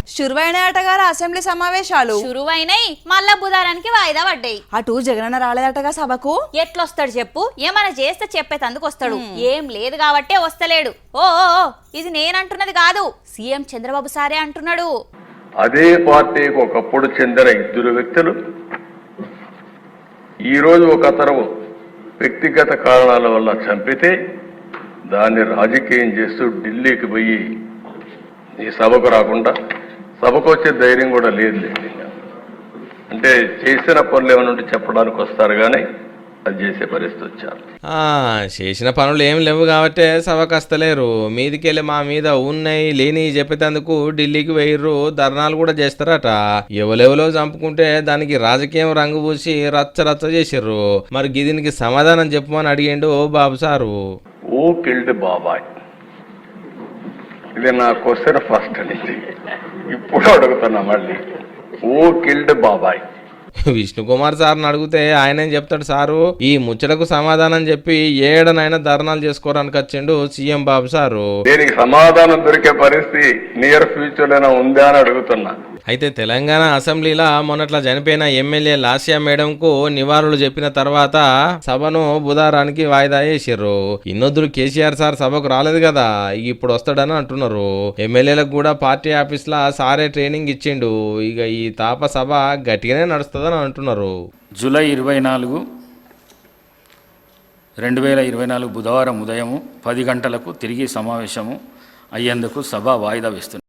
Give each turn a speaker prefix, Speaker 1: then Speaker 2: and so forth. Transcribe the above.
Speaker 1: శురువైనాయటగా assembly సమావేశాలు
Speaker 2: శురువైనాయి మళ్ళా బుధారానికి వాయిదా పడ్డాయి.
Speaker 1: అటు జగనన్న రాలేదటగా సభకు.
Speaker 2: ఎట్లొస్తాడు చెప్పు? ఏమైనా చేస్తే చెప్పేతందుకు వస్తాడు. ఏం లేదు కాబట్టే వస్తలేడు. ఓ ఇది నేనంటున్నది కాదు, సీఎం చంద్రబాబు సారే అంటున్నాడు.
Speaker 3: అదే పార్టీకి ఒకప్పుడు చెందిన ఇద్దరు వ్యక్తులు ఈరోజు ఒకతరం వ్యక్తిగత కారణాల వల్ల చంపితే దాన్ని రాజకీయం చేస్తూ ఢిల్లీకి పోయి ఈ సభకు రాకుండా, సభకు వచ్చే ధైర్యం కూడా లేదు. అంటే చేసిన పనులు ఏమైనా ఉంటే చెప్పడానికి వస్తారు కానీ అది చేసే పరిస్థితి వచ్చారు.
Speaker 4: చేసిన పనులు ఏం లేవు కాబట్టి సభకు వస్తలేరు. మీదికెళ్ళి మా మీద ఉన్నాయి లేని చెప్పేందుకు ఢిల్లీకి వేయర్రు, ధర్నాలు కూడా చేస్తారట. ఎవరెవరో చంపుకుంటే దానికి రాజకీయం రంగు పూసి రచ్చ రచ్చ చేసిర్రు. మరి దీనికి సమాధానం చెప్పమని అడిగిండు బాబు సారు.
Speaker 3: ఓ కిల్డ్ బాబాయ్, ఇది నా క్వశ్చన్ ఫస్ట్ నుంచి ఇప్పుడు అడుగుతున్నా మళ్ళీ. ఓ కిల్డ్ బాబాయ్
Speaker 4: విష్ణుకుమార్ సార్ని అడిగితే ఆయన ఏం చెప్తాడు సారు? ఈ ముచ్చటకు సమాధానం చెప్పి ఏడనైనా ధర్నాలు చేసుకోవడానికి వచ్చిండు సీఎం బాబు సారు.
Speaker 3: దీనికి సమాధానం దొరికే పరిస్థితి నియర్ ఫ్యూచర్ లోనే ఉందా అని అడుగుతున్నా.
Speaker 4: అయితే తెలంగాణ అసెంబ్లీలో మొన్నట్లా చనిపోయిన ఎమ్మెల్యే లాస్యా మేడంకు నివాళులు చెప్పిన తర్వాత సభను బుధవారానికి వాయిదా వేసిర్రు. ఇన్నొద్దులు కేసీఆర్ సార్ సభకు రాలేదు కదా, ఇప్పుడు వస్తాడని అంటున్నారు. ఎమ్మెల్యేలకు కూడా పార్టీ ఆఫీస్ లా సారే ట్రైనింగ్ ఇచ్చిండు. ఇక ఈ తాప సభ గట్టిగానే నడుస్తుందని అంటున్నారు.
Speaker 5: జూలై 24, 2024 బుధవారం ఉదయం 10 గంటలకు తిరిగి సమావేశము అయ్యేందుకు సభ వాయిదా వేస్తుంది.